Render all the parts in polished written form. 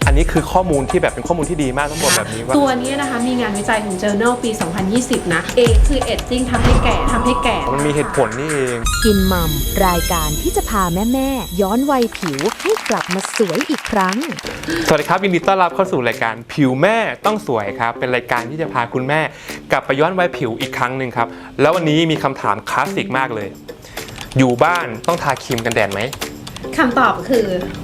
อันนี้คือข้อมูลที่แบบเป็นข้อมูลที่ดีมากต้องบอกแบบนี้ว่าตัวนี้นะคะมีงานวิจัยของ Journal ปี 2020 นะ A คือ Aging ทำให้แก่มันมีเหตุผลนี่เอง Skin Mom รายการที่จะพาแม่ๆย้อนวัยผิวให้กลับมาสวยอีกครั้งสวัสดีครับยินดีต้อนรับเข้าสู่รายการผิวแม่ต้องสวยครับเป็นรายการที่จะพาคุณแม่กลับไปย้อนวัยผิวอีกครั้งหนึ่งครับแล้ววันนี้มีคำถามคลาสสิกมากเลยอยู่บ้านต้องทาครีมกันแดดไหมคำตอบคือ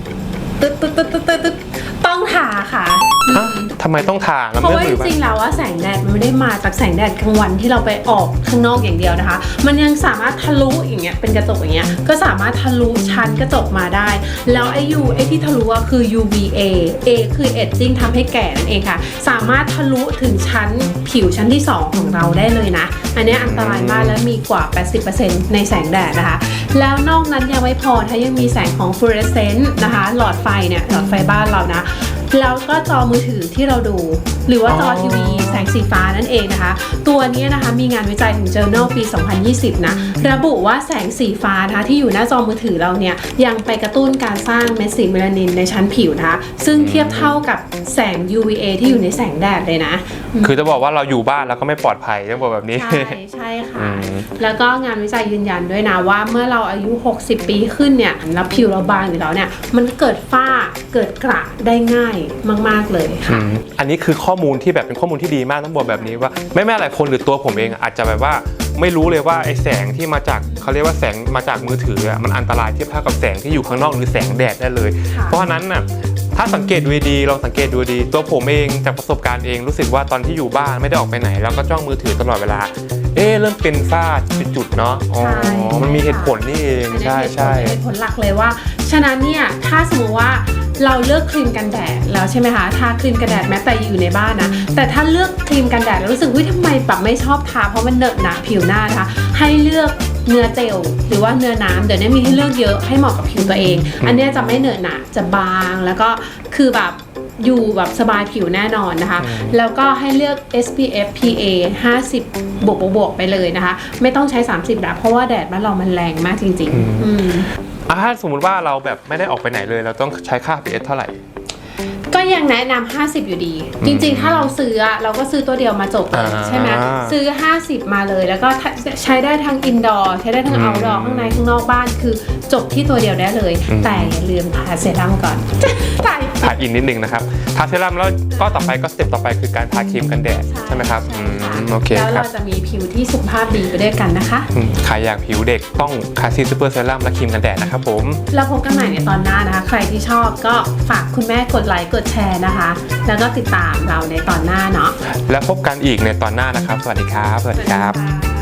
ต้องทาค่ะทำไมต้องทาเพราะว่าจริงๆแล้วว่าแสงแดดมันไม่ได้มาจากแสงแดดกลางวันที่เราไปออกข้างนอกอย่างเดียวนะคะมันยังสามารถทะลุอย่างเงี้ยเป็นกระจกอย่างเงี้ยก็สามารถทะลุชั้นกระจกมาได้แล้วไอ้ที่ทะลุคือ UVA A คือ Aging ทำให้แก่นั่นเองค่ะสามารถทะลุถึงชั้นผิวชั้นที่2ของเราได้เลยนะอันนี้อันตรายมากและมีกว่า 80% ในแสงแดดนะคะแล้วนอกนั้นยังไม่พอถ้ายังมีแสงของฟลูออเรสเซนต์นะคะหลอดไฟเนี่ยหลอดไฟบ้านเรานะแล้วก็จอมือถือที่เราดูหรือว่าจอทีวีแสงสีฟ้านั่นเองนะคะตัวนี้นะคะมีงานวิจัยของ Journal ปี 2020 นะระบุว่าแสงสีฟ้านะคะที่อยู่หน้าจอมือถือเราเนี่ยยังไปกระตุ้นการสร้างเม็ดสีเมลานินในชั้นผิวนะคะซึ่งเทียบเท่ากับแสง UVA ที่อยู่ในแสงแดดเลยนะคือจะบอกว่าเราอยู่บ้านแล้วก็ไม่ปลอดภัยต้องบอกแบบนี้ใช่ค่ะแล้วก็งานวิจัยยืนยันด้วยนะว่าเมื่อเราอายุ60ปีขึ้นเนี่ยแล้วผิวเราบางอยู่แล้วเนี่ยมันเกิดฝ้าเกิดกระได้ง่ายมากๆเลยค่ะอันนี้คือข้อมูลที่แบบเป็นข้อมูลที่ดีมากต้องบอกแบบนี้ว่าแม่หลายคนหรือตัวผมเองอาจจะแบบว่าไม่รู้เลยว่าไอ้แสงที่มาจากเขาเรียกว่าแสงมาจากมือถือมันอันตรายเทียบเท่ากับแสงที่อยู่ข้างนอกหรือแสงแดดได้เลยเพราะฉะนั้นน่ะถ้าสังเกตดูดีลองสังเกตดูดีตัวผมเองจากประสบการณ์เองรู้สึกว่าตอนที่อยู่บ้านไม่ได้ออกไปไหนแล้วก็จ้องมือถือตลอดเวลาเริ่มเป็นฝ้าเป็นจุดเนาะอ๋อมันมีเหตุผลนี่เองใช่เหตุผลหลักเลยว่าฉะนั้นเนี่ยถ้าสมมติว่าเราเลือกครีมกันแดดแล้วใช่ไหมคะทาครีมกันแดดแม้แต่อยู่ในบ้านนะแต่ถ้าเลือกครีมกันแดดแล้วรู้สึกทำไมแบบไม่ชอบทาเพราะมันเหนอะหนะผิวหน้านะคะให้เลือกเนื้อเจลหรือว่าเนื้อน้ำเดี๋ยวนี้มีให้เลือกเยอะให้เหมาะกับผิวตัวเองอันนี้จะไม่เหนอะหนะจะบางแล้วก็คือแบบอยู่แบบสบายผิวแน่นอนนะคะแล้วก็ให้เลือก SPF PA 50 บวกไปเลยนะคะไม่ต้องใช้30แล้วเพราะว่าแดดบ้านเรามันแรงมากจริงๆถ้าสมมุติว่าเราแบบไม่ได้ออกไปไหนเลยเราต้องใช้ค่า pH เท่าไหร่ก็ยังแนะนำ50อยู่ดีจริงๆถ้าเราซื้อเราก็ซื้อตัวเดียวมาจบเลยใช่ไหมซื้อ50มาเลยแล้วก็ใช้ได้ทั้งอินดอร์ใช้ได้ทั้งเอาท์ดอร์ข้างในข้างนอกบ้านคือจบที่ตัวเดียวได้เลยแต่อย่าลืมทาเซรั่มก่อนทาอินนิดนึงนะครับทาเซรั่มแล้วก็ต่อไปก็สเต็ปต่อไปคือการทาครีมกันแดดใช่ไหมครับโอเคแล้วเราจะมีผิวที่สุขภาพดีไปด้วยกันนะคะใครอยากผิวเด็กต้องคาซีซูเปอร์เซรั่มและครีมกันแดดนะครับผมแล้วพบกันใหม่ในตอนหน้านะคะใครที่ชอบก็ฝากคุณแม่กดไลค์กดแชร์นะคะแล้วก็ติดตามเราในตอนหน้าเนาะแล้วพบกันอีกในตอนหน้านะครับสวัสดีครับ